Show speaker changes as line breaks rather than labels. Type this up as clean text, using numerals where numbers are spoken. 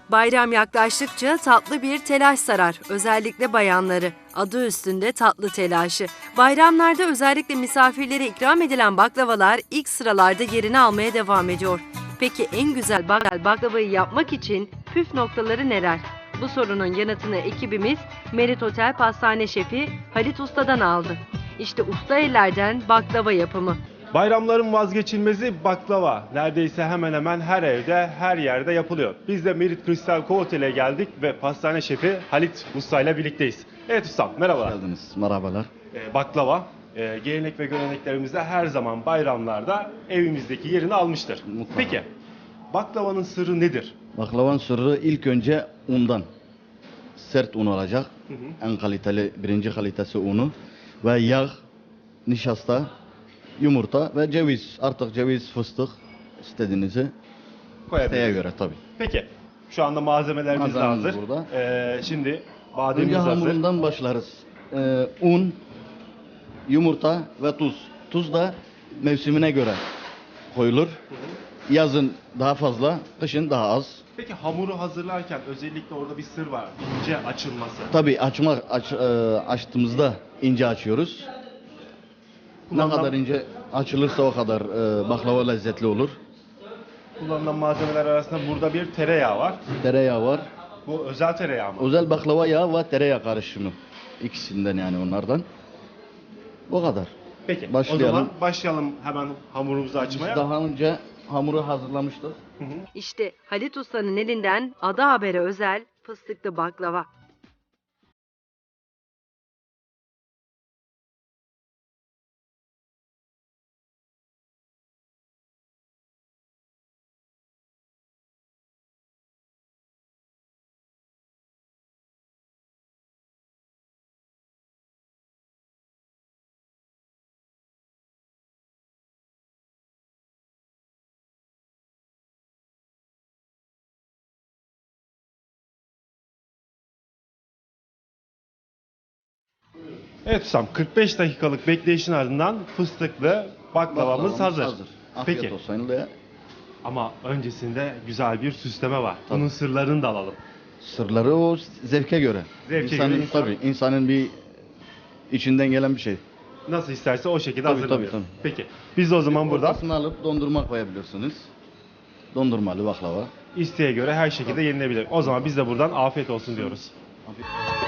Bayram yaklaştıkça tatlı bir telaş sarar, özellikle bayanları. Adı üstünde tatlı telaşı. Bayramlarda özellikle misafirlere ikram edilen baklavalar ilk sıralarda yerini almaya devam ediyor. Peki en güzel baklavayı yapmak için püf noktaları neler? Bu sorunun yanıtını ekibimiz Merit Otel Pastane Şefi Halit Usta'dan aldı. İşte usta ellerden baklava yapımı.
Bayramların vazgeçilmezi baklava. Neredeyse hemen hemen her evde, her yerde yapılıyor. Biz de Merit Kristal Otel'e geldik ve pastane şefi Halit Usta ile birlikteyiz. Evet ustam, merhabalar.
Hoş geldiniz. Merhabalar.
Baklava, gelenek ve göreneklerimizde her zaman bayramlarda evimizdeki yerini almıştır.
Mutlaka.
Peki, baklavanın sırrı nedir?
Baklavanın sırrı ilk önce undan. Sert un olacak. En kaliteli, birinci kalitesi unu. Ve yağ, nişasta, yumurta ve ceviz. Artık ceviz, fıstık istediğinizi isteğe
Koyabiliriz.
göre tabii.
Peki, şu anda malzemelerimiz de
Malzememiz
hazır.
burada.
Şimdi
Önce
bademimiz hazır.
hamurundan başlarız. Un, yumurta ve tuz. Tuz da mevsimine göre koyulur. Yazın daha fazla, kışın daha az.
Peki hamuru hazırlarken özellikle orada bir sır var. İnce açılması.
Tabii açtığımızda ince açıyoruz. Ne
Kullanılan-
kadar ince açılırsa o kadar baklava lezzetli olur.
Kullanılan malzemeler arasında burada bir tereyağı var.
Tereyağı var.
Bu özel tereyağı mı?
Özel baklava yağı ve tereyağı karışımı. İkisinden yani onlardan. O kadar.
Peki
Başlayalım.
o zaman başlayalım hemen hamurumuzu açmaya.
Daha önce hamuru hazırlamıştık.
İşte Halit Usta'nın elinden Ada Haber'e özel fıstıklı baklava.
Evet ustam 45 dakikalık bekleyişin ardından fıstıklı baklavamız hazır.
Afiyet
Peki
olsun. De.
ama öncesinde güzel bir süsleme var.
Tabii.
Bunun sırlarını da alalım.
Sırları o zevke göre.
Zevke
insanın,
göre insan-
Tabii insanın bir içinden gelen bir şey.
Nasıl isterse o şekilde
Tabii,
hazırlanıyor.
tabii.
Peki biz de o zaman burada
Ortasını alıp dondurma koyabilirsiniz. Dondurmalı baklava.
isteğe göre her şekilde yenilebilir. O zaman biz de buradan afiyet olsun diyoruz.
Afiyet.